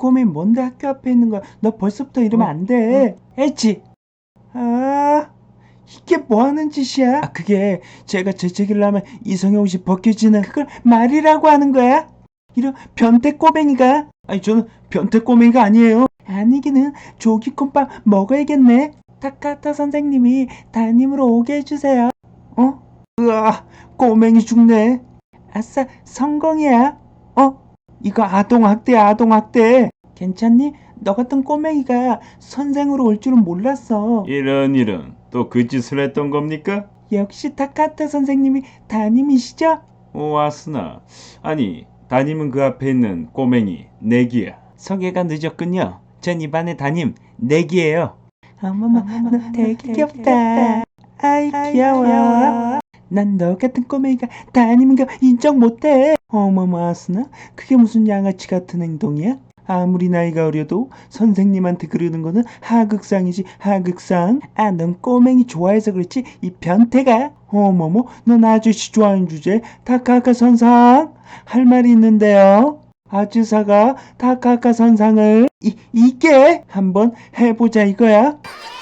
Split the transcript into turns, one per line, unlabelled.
꼬맹이 뭔데 학교 앞에 있는 거야? 너 벌써부터 이러면 안 돼. 엣지. 아, 이게 뭐 하는 짓이야? 그게 제가 재채기를 하면 이성의 옷이 벗겨지는 그걸 말이라고 하는 거야? 이런 변태 꼬맹이가. 아니, 저는 변태 꼬맹이가 아니에요. 아니기는 조기콘빵 먹어야겠네. 타카타 선생님이 담임으로 오게 해주세요. 으아, 꼬맹이 죽네. 아싸, 성공이야. 이거 아동학대야, 아동학대. 괜찮니? 너 같은 꼬맹이가 선생으로 올 줄은 몰랐어.
이런 또 그 짓을 했던 겁니까?
역시 타카타 선생님이 담임이시죠?
오 아스나. 아니 담임은 그 앞에 있는 꼬맹이 내기야.
소개가 늦었군요. 전 이반의 담임 내기예요. 어머머, 너 되게 귀엽다. 아이 귀여워. 난 너 같은 꼬맹이가 담임인 거 인정 못해. 어머머 아스나, 그게 무슨 양아치 같은 행동이야? 아무리 나이가 어려도 선생님한테 그러는 거는 하극상이지, 하극상. 넌 꼬맹이 좋아해서 그렇지, 이 변태가. 어머머, 넌 아저씨 좋아하는 주제 타카카 선상 할 말이 있는데요. 아즈사가 타카카 선상을 이게 한번 해보자 이거야.